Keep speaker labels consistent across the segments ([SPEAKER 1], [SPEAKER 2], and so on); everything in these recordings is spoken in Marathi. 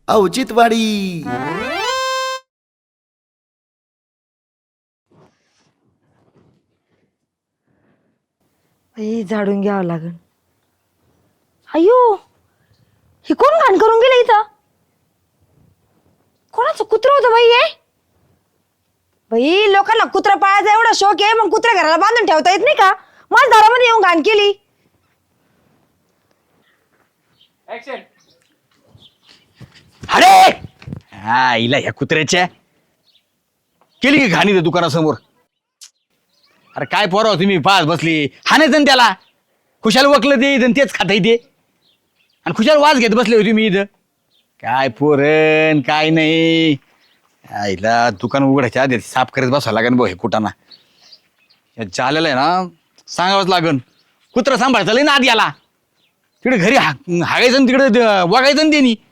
[SPEAKER 1] औचित्यवाडी.
[SPEAKER 2] झाडून घ्यावं लागेल. अयो, हे कोण घाण करून गेलं इथं? कोणाचं कुत्र होतं बाई हे? बाई, लोकांना कुत्रा पाळायचा एवढा शौक आहे, मग कुत्रा घराला बांधून ठेवता येत नाही का? माझ्या दारामध्ये येऊन घाण केली.
[SPEAKER 3] अरे हा हिला ह्या कुत्र्याच्या केली की घाणी त्या दुकानासमोर. अरे काय पोराव तुम्ही पाच बसली हाणायचं ना त्याला. खुशाल वकलं ते इथं तेच खाता येते आणि खुशाल वाज घेत बसले होते मी इथं. काय पोरण काय नाही. आईला दुकान उघडायच्या आधी साफ करत बसावं लागेल भाऊ हे कुटाना. चालेलं आहे ना सांगावंच लागन. कुत्रा सांभाळायचं लय ना आधी आला तिकडे घरी हागायचं तिकडे वागायचं ना त्यांनी.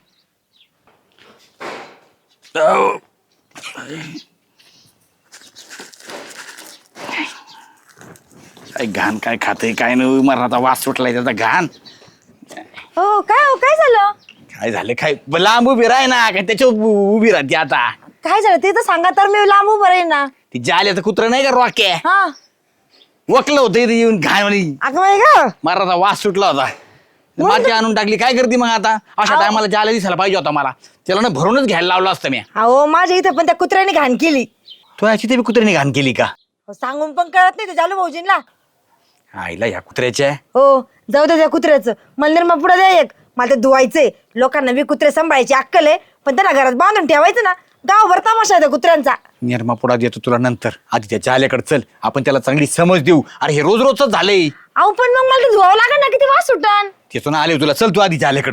[SPEAKER 3] काय घाण काय खाते काय नाही मरणाचा वास सुटलाय त्याचा घाण.
[SPEAKER 2] हो काय झालं?
[SPEAKER 3] काय झालं काय लांब उभी राह ना काय त्याच्यावर उभी राहते आता.
[SPEAKER 2] काय झालं ते तर सांगा तर मी लांब उभं राहीन ना.
[SPEAKER 3] ती जाल्याचं कुत्र नाही का रॉके
[SPEAKER 2] हा,
[SPEAKER 3] वकलं होतं इथे येऊन घाण म्हणे
[SPEAKER 2] अगं बाई गं.
[SPEAKER 3] मरणाचा वास सुटला होता. माती आणून टाकली काय करते मग आता. अशा टायमाला जाल्या दिसायला पाहिजे होता मला. त्याला ना भरूनच घ्यायला लावलं असतं मी.
[SPEAKER 2] अहो, माझ्या इथं पण त्या कुत्र्याने घाण केली.
[SPEAKER 3] तो याची ते कुत्र्याने घाण केली का?
[SPEAKER 2] सांगून पण कळत नाही ते जालू भाऊजींना.
[SPEAKER 3] आईला ह्या कुत्र्याच्या
[SPEAKER 2] हो, जाऊ दे त्या कुत्र्याचं. मंदिर मग पुढे द्या एक. मला ते धुवायचंय. लोकांना बी कुत्रे सांभाळायची अक्कल आहे, पण त्यांना घरात बांधून ठेवायचं ना. गावभर तमाशा आहे त्या कुत्र्यांचा.
[SPEAKER 3] निर्मा पुढा देतो तुला नंतर. आधी त्याच्या आल्याकडे चल आपण त्याला चांगली समज देऊ. अरे हे रोज रोजच झालंय.
[SPEAKER 2] अहो, पण मग मला ते धुवावं लागेल ना, किती वास सुटन.
[SPEAKER 3] तिथून आले तुला चल तू आधी जाल्याकडे.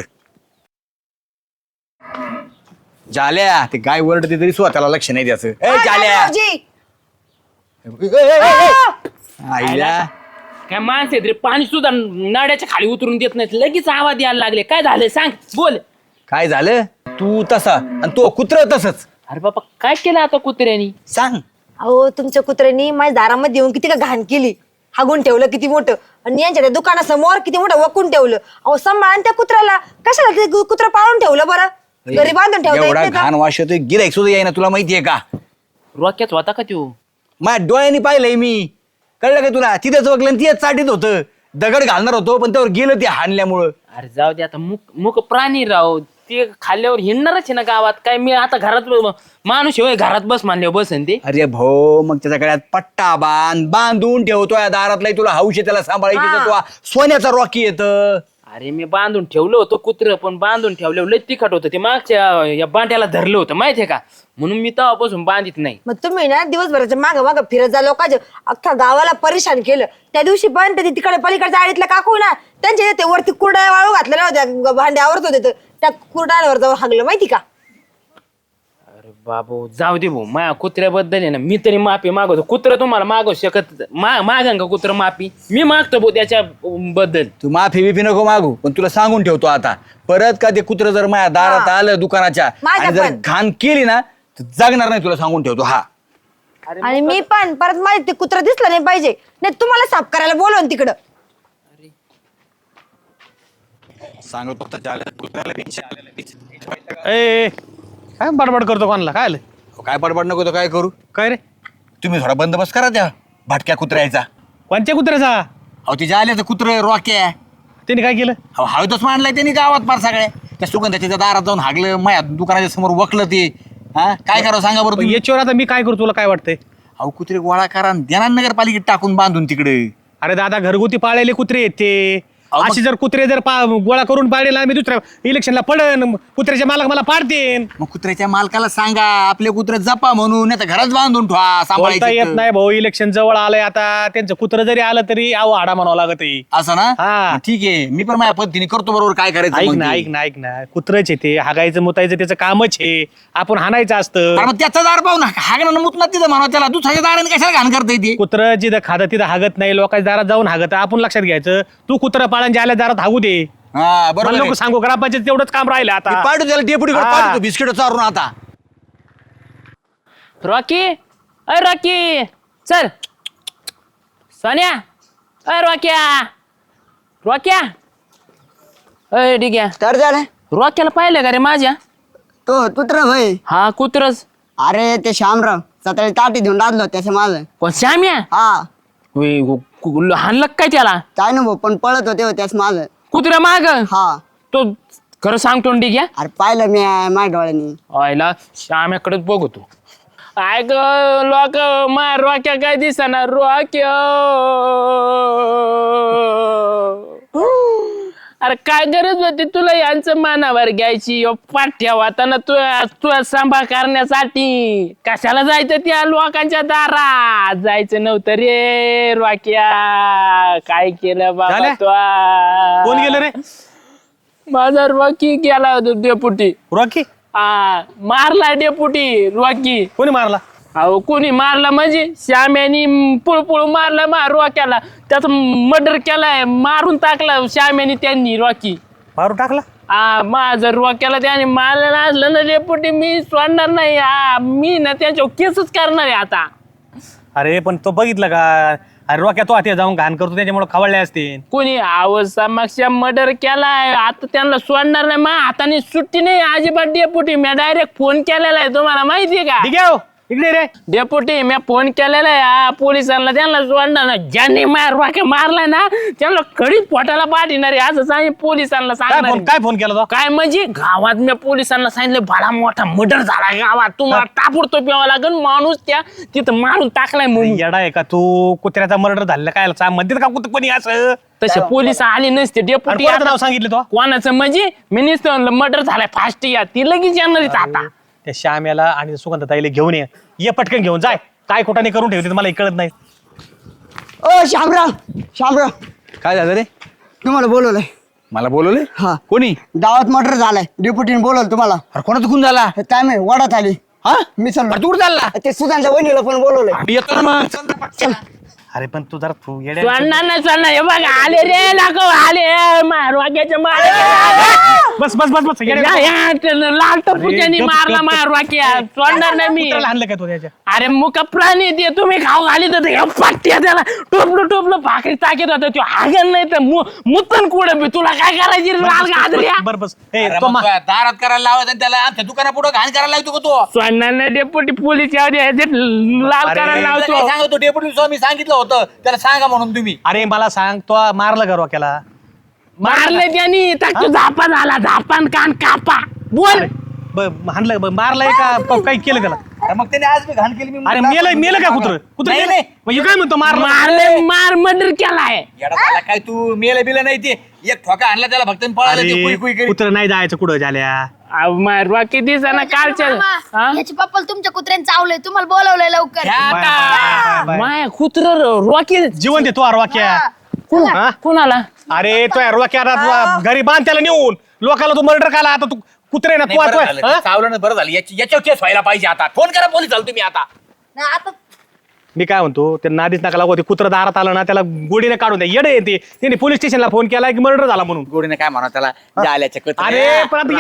[SPEAKER 3] जाल्या ते गाय वरडते तरी स्वतःला लक्ष नाही द्यायचं. ए जाल्या आईला
[SPEAKER 4] काय माणसं आहेत रे, पाणी सुद्धा नाड्याच्या खाली उतरून देत नाही. लगेच आवाज यायला लागले. काय झालंय सांग, बोल.
[SPEAKER 3] काय झालं तू तसा आणि तो कुत्र तसंच.
[SPEAKER 4] अरे बाबा, काय केलं आता कुत्र्यानी?
[SPEAKER 3] सांग.
[SPEAKER 2] अहो, तुमच्या कुत्र्यांनी माझ्या दारामध्ये येऊन किती का घाण केली. हागून ठेवलं किती मोठं, आणि यांच्या त्या दुकानासमोर किती मोठं वकून ठेवलं. अहो, सांभाळून त्या कुत्र्याला कशाला ते कुत्र पाळून ठेवलं बरं? घरी बांधून ठेवता येत
[SPEAKER 3] एवढा
[SPEAKER 2] नाही का?
[SPEAKER 3] घाण वास येतोय गिराईक सुद्धा येईना तुला माहितीये का?
[SPEAKER 4] रोक्याच होता का त्यो?
[SPEAKER 3] माझ्या डोळ्यांनी पाहिलंय मी. कळलं का तुला? तिथेच वगलं तिथेच चाटीत होतं. दगड घालणार होतो पण त्यावर गेलं ते हाणल्यामुळं.
[SPEAKER 4] अरे जाऊ दे आता, मुक प्राणी राव. ते खाल्ल्यावर हिंडणारच आहे ना गावात. काय मी आता घरात माणूस होय, घरात बस मानल्यावर बसन ते.
[SPEAKER 3] अरे भाऊ मग त्याच्या गळ्यात पट्टा बांधून ठेवतोय दारातला. तुला हौशी त्याला सांभाळायची तर तुला सोन्याचा रॉकी येतं.
[SPEAKER 4] अरे मी बांधून ठेवलं होतं कुत्र, पण बांधून ठेवल्यावर लय तिखट होतं ते. मागच्या या बांड्याला धरलं होतं माहितीये का, म्हणून मी तेव्हापासून बांधित नाही.
[SPEAKER 2] मग तुम्ही ना दिवसभराच्या मागं मागं फिरत जा. लोकांच्या अख्ख्या गावाला परेशान केलं. त्या दिवशी पण ते तिकडे पलीकडच्या आळीतल्या काकू ना, त्यांच्या ते वरती कुरड्या वाळू घातलेल्या होत्या, भांडे आवरत होते, त्या कुरड्यांवर जाऊन हागलं माहिती का?
[SPEAKER 4] अरे बाबू जाऊ दे भाऊ, माझ्या कुत्र्याबद्दल आहे ना मी तरी माफी मागवतो. कुत्र तुम्हाला मागू शकत मागन का कुत्र माफी? मी मागतो भाऊ त्याच्या बद्दल.
[SPEAKER 3] तू माफी बिफी नको मागू, पण तुला सांगून ठेवतो आता. परत का ते कुत्र जर माझ्या दारात आलं दुकानाच्या
[SPEAKER 2] माझ्या
[SPEAKER 3] आणि जर
[SPEAKER 2] पण.
[SPEAKER 3] घाण केली ना तर जगणार नाही. तुला सांगून ठेवतो. हा
[SPEAKER 2] आणि मी पण परत माझे ते कुत्र दिसलं नाही पाहिजे, नाही तुम्हाला साफ करायला बोलवून तिकडं.
[SPEAKER 3] सांगतो
[SPEAKER 5] ए काय बडबड करतो कोणाला? काय आलं?
[SPEAKER 3] काय पडपड नको तर काय करू.
[SPEAKER 5] काय रे?
[SPEAKER 3] तुम्ही थोडा बंदोबस्त करा त्या भाटक्या कुत्र्याचा.
[SPEAKER 5] कोणत्या कुत्र्याचा?
[SPEAKER 3] अहो ती जाल्याचं कुत्र रॉक्या.
[SPEAKER 5] त्याने काय केलं?
[SPEAKER 3] अहो हळदच मांडलाय त्यांनी गावात फार सगळ्या. त्या सुगंधाच्या दारात जाऊन हागलं, माझ्या दुकानाच्या समोर वकलं ते. हा काय करावं सांगा बरं तुम्ही.
[SPEAKER 5] याच्यावर आता मी काय करू? तुला काय वाटतंय?
[SPEAKER 3] अहो कुत्रे गोळा करा आणि द्या ना नगरपालिकेत टाकून बांधून तिकडे.
[SPEAKER 5] अरे दादा, घरगुती पाळलेले कुत्रे आहेत ते.
[SPEAKER 3] अहो, मग-
[SPEAKER 5] अशी जर कुत्रे जर गोळा करून पाळले, मी दुसऱ्या इलेक्शनला पडन, कुत्र्याचे मालक मला पाडतेन.
[SPEAKER 3] मग कुत्र्याच्या मालकाला सांगा आपले कुत्रे जपा म्हणून, नाही तर घरात बांधून ठेवा
[SPEAKER 5] बोलता
[SPEAKER 3] सांभाळायचं
[SPEAKER 5] येत
[SPEAKER 3] तर.
[SPEAKER 5] नाही भाऊ, इलेक्शन जवळ आलंय आता. त्यांचं कुत्र जरी आलं तरी आव हाडा म्हणावं लागत आहे.
[SPEAKER 3] असं ना.
[SPEAKER 5] हा.
[SPEAKER 3] मग ठीक आहे, मी पण माझ्या पद्धतीने करतो बरोबर काय करायचं
[SPEAKER 5] ऐक
[SPEAKER 3] मग
[SPEAKER 5] ना
[SPEAKER 3] ते.
[SPEAKER 5] ऐक ना ऐक ना, कुत्रच आहे ते. हागायचं मुतायचं त्याचं कामच आहे. आपण हाणायचं असतं.
[SPEAKER 3] अरे मग त्याचा दार पाहू ना, हागणं मुतणार तिथं म्हणा त्याला. दुसऱ्याच्या दाराने कशाला घाण करता येते.
[SPEAKER 5] कुत्र जिथं खातं तिथं हागत नाही. लोकांच्या दारात जाऊन हागत. आपण लक्षात घ्यायचं. तू कुत्र पाळण ज्याला दारात हागू दे.
[SPEAKER 3] हा बरोबर
[SPEAKER 5] मला
[SPEAKER 3] आहे.
[SPEAKER 5] नको सांगू, ग्रामपंचायत तेवढंच काम राहिलं
[SPEAKER 3] मी
[SPEAKER 5] आता.
[SPEAKER 3] पाडू त्याला डेपुटी
[SPEAKER 5] हा.
[SPEAKER 3] पाडतो बिस्किट चारून आता.
[SPEAKER 4] रॉकी, अय रॉकी, चल. सोन्या, अय रॉक्या, रॉक्या, अय डिग्या.
[SPEAKER 3] तर झालं
[SPEAKER 4] रॉक्याला पाहिलं का रे माझ्या?
[SPEAKER 1] तो कुत्रा भाई
[SPEAKER 4] हा कुत्रच.
[SPEAKER 1] अरे ते श्यामराव सकाळी ताटी देऊन डादलो त्याचं माझं.
[SPEAKER 4] कोण श्याम्या?
[SPEAKER 1] हा
[SPEAKER 4] हाणलं काय त्याला?
[SPEAKER 1] काय ना भाऊ पण पळत होते त्याच माझं.
[SPEAKER 4] कुत्र्या माग?
[SPEAKER 1] हा
[SPEAKER 4] तो खरं सांगतो ठीक आहे.
[SPEAKER 1] अरे पाहिलं मी माझ्या डोळ्यांनी.
[SPEAKER 4] आयला श्याम्याकडेच बघतो. काय ग लोक मार रोक्या काय दिसना रोक्या. अरे काय गरज होती तुला यांचं मानावर घ्यायची पाठ्या वाताना तू सांभाळ करण्यासाठी? कशाला जायचं त्या लोकांच्या दारात? जायचं नव्हतं रे रोक्या. काय केलं बाबा
[SPEAKER 5] झाल्या?
[SPEAKER 4] तू?
[SPEAKER 5] कोण गेलं रे?
[SPEAKER 4] माझा रॉकी गेला होता डेपुटी.
[SPEAKER 5] रॉकी?
[SPEAKER 4] मारला डेपुटी रॉकी.
[SPEAKER 5] कोणी मारला?
[SPEAKER 4] अहो कोणी मारला म्हणजे श्याम्यानी पुळपुळ मारला रॉक्याला. त्याचा मर्डर केलाय, मारून टाकला श्याम्यानी त्यांनी रॉकी.
[SPEAKER 5] मारून टाकला?
[SPEAKER 4] माझं रॉक्याला त्याने मारलं असलं ना डेपुटी मी सोडणार नाही. मी ना त्यांच्यावर केसच करणार आहे आता.
[SPEAKER 5] अरे पण तो बघितलं का? अरे रॉक्या तो आता जाऊन घाण करतो त्याच्यामुळे खवळले असते.
[SPEAKER 4] कोणी समक्ष मर्डर केलाय आता त्यांना सोडणार नाही. मा हाताने सुट्टी नाही अजिबात डेपुटी. मी डायरेक्ट फोन केलेला आहे, तुम्हाला माहितीये का?
[SPEAKER 5] ठीक आहे इकडे रे.
[SPEAKER 4] डेपुटी मी फोन केलेला आहे पोलिसांना, त्यांना सोडणार ना. ज्यांनी मारलाय ना त्यांना कडीत पोटाला पाठवणार आहे असं सांग पोलिसांना सांगणार.
[SPEAKER 5] काय फोन केला तो?
[SPEAKER 4] काय म्हणजे गावात मी पोलिसांना सांगितलं बडा मोठा मर्डर झाला गावात, तुम्हाला ताबडतोब प्यावा लागेल. माणूस त्या तिथं मारून टाकलाय म्हणून.
[SPEAKER 5] येडा आहे का तू? कुत्र्याचा मर्डर झालेला काय म्हणतात का कोणी असं?
[SPEAKER 4] तसे पोलिस आले नसते डेपुटी.
[SPEAKER 5] कोणाचं नाव सांगितलं तो?
[SPEAKER 4] कोणाचं म्हणजे मिनिस्टर मर्डर झालाय फास्ट या ती लगेच येणार आता.
[SPEAKER 5] त्या श्याम्याला आणि सुगंधताईला घेऊन ये पटकन घेऊन जाय. काय खोटाने करून ठेवते मला कळत नाही.
[SPEAKER 1] ओ श्यामराव श्यामराव
[SPEAKER 3] काय झालं रे?
[SPEAKER 1] तुम्हाला बोलवलंय.
[SPEAKER 3] मला बोलवले?
[SPEAKER 1] हा
[SPEAKER 3] कोणी?
[SPEAKER 1] गावात मर्डर झालाय, डेप्युटीने बोलवलं तुम्हाला.
[SPEAKER 3] अरे कोणाचा खून झाला?
[SPEAKER 1] काय माहिती वडात आली.
[SPEAKER 3] हा
[SPEAKER 1] मी चाललो.
[SPEAKER 3] तू कुठं चालला?
[SPEAKER 1] ते सुधांच्या वहिनीला पण बोलवलंय.
[SPEAKER 3] आम्ही येतो ना मग. चल ना, चल.
[SPEAKER 5] अरे पण तू जरा
[SPEAKER 4] सोडणार नाही सोडणार. हे बघ आले रे लाखो आले वाक्याच्या मार.
[SPEAKER 5] बस बस बस बस
[SPEAKER 4] लाल टपूच्यानी मारला वाक्या. सोडणार नाही मी.
[SPEAKER 5] आणलं काय तो त्याच्या?
[SPEAKER 4] अरे मुका प्राणी ते तुम्ही खाऊ घाली तर पाट्या त्याला टोपलं टोपलं भाकरी टाकीत होता. तो हागण नाही तर मुतन कुठं बी. तुला काय करायची लाल गाजऱ्या?
[SPEAKER 5] बर बस
[SPEAKER 3] अरे मग दारात करायला लावायचं आणि त्याला आमच्या दुकाना पुढे घाण करायला लागतो का तो?
[SPEAKER 4] सोडणार नाही डेपुटी पोलीस लाल करायला लावतो.
[SPEAKER 3] सांगतो डेप्युटी स्वामी सांगितलं होतं त्याला सांगा म्हणून तुम्ही.
[SPEAKER 5] अरे मला सांग तो मारलं का रॉक्याला?
[SPEAKER 4] मारले त्यांनी तो झापा झाला. झापान कान कापा. बोल.
[SPEAKER 5] हाणलं मारलंय का काही केलं त्याला?
[SPEAKER 3] अरे मग त्याने आज मी घाण केली. मी
[SPEAKER 5] अरे मेलं का कुत्र? कुत्र
[SPEAKER 3] नाही,
[SPEAKER 5] मेलं?
[SPEAKER 3] नाही.
[SPEAKER 5] म्हणजे काय म्हणतो
[SPEAKER 4] मारले मर्डर केलाय.
[SPEAKER 3] येडा झाला काय तू? मेलं बिलं नाही ते. एक ठोका आणला त्याला फक्त पळाला ते कुई कुई करीत.
[SPEAKER 5] कुत्र नाही जायचं कुठं झाल्या?
[SPEAKER 4] बाकी दिवसाना कालच्या
[SPEAKER 6] याची पप्पा तुमच्या कुत्र्याने चावलंय, तुम्हाला बोलवलंय लवकर.
[SPEAKER 3] घ्या आता.
[SPEAKER 4] माया कुत्र रॉकी
[SPEAKER 5] जीवन देतो रॉक्या. हा?
[SPEAKER 4] कुणाला?
[SPEAKER 5] अरे तो रॉक्या घरी बांध त्याला नेऊन. लोकाला तू मर्डर काला आता तू कुत्रे ना
[SPEAKER 3] नाही, बरं झालं. चावलं ना, बरं झालं. याच्यावर केस व्हायला पाहिजे आता. फोन करा पोलीस झालं तुम्ही आता.
[SPEAKER 2] नाही, आता
[SPEAKER 5] मी काय म्हणतो ते नादीच नका लागू. ते कुत्र दारात आलं ना त्याला गोडीने काढून द्या. येडे येते त्यांनी पोलीस स्टेशनला फोन केला की मर्डर झाला म्हणून.
[SPEAKER 3] गोडीने काय म्हणा त्याला? जाल्याच्या कचऱ्या.
[SPEAKER 5] अरे पण आता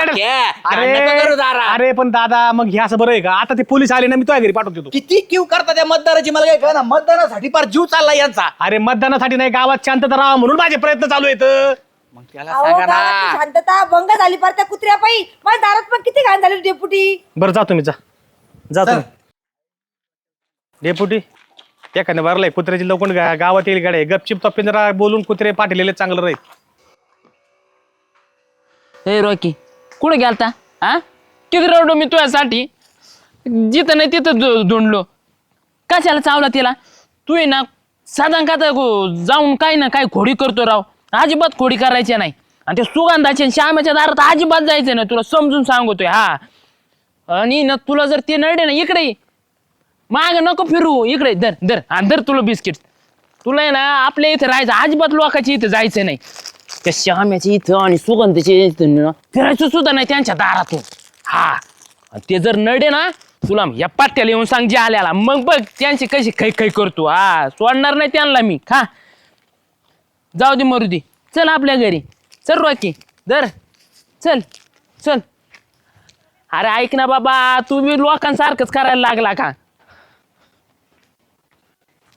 [SPEAKER 5] अरे पण दादा मग हे असं बरं आहे का? आता ते पोलीस आले ना मी तुझ्या घरी पाठवून देतो.
[SPEAKER 3] किती क्यू करता त्या मतदाराची मला काय कळना. मतदानासाठी फार जीव चालला यांचा.
[SPEAKER 5] अरे मतदानासाठी नाही गावात शांतता राहा म्हणून माझे प्रयत्न चालू आहेत.
[SPEAKER 3] मग त्याला
[SPEAKER 2] अहो,
[SPEAKER 3] सांगा
[SPEAKER 2] गावाची
[SPEAKER 3] ना.
[SPEAKER 2] शांतता भंग झाली पार त्या कुत्र्या पायी. माझ्या दारात पण किती घाण झाली डेपुटी.
[SPEAKER 5] बरं जा तुम्ही जा तुम्ही. डेपुटी एखाद्या भरलाय कुत्र्याची लवकर गावात येईल गाड्या. गपचिप तप्पे जरा बोलून कुत्रे पाठवलेले चांगलं राहील.
[SPEAKER 4] हे रॉकी कुठे गेलता? हा किती रडलो मी तुझ्यासाठी. जिथं नाही तिथं धुंडलो. कशाला चावला तिला? तू ना साधारण का जाऊन काय ना काय खोडी करतो राव. अजिबात खोडी करायची नाही. आणि ते सुगंधाच्या श्यामाच्या दारात अजिबात जायचं नाही. तुला समजून सांगतोय. हा आणि ना तुला जर ते नडे ना इकडे माग नको फिरू. इकडे धर धर आणि धर तुला बिस्किट. तुला आहे ना आपल्या इथं राहायचं. अजिबात लोकांच्या इथं जायचं नाही. त्या श्याम्याच्या इथं आणि सुगंधाच्या इथं फिरायचं सुद्धा नाही त्यांच्या दारातून. हा ते जर नडे ना तुला या पाट्याला येऊन सांग जे आल्याला. मग बघ त्यांची कशी खै खै करतो. हा सोडणार नाही त्यांना मी. हा जाऊ दे मरू दे. चल आपल्या घरी चल रॉकी. धर चल चल. अरे ऐक ना बाबा तू बी लोकांसारखंच करायला लागला का?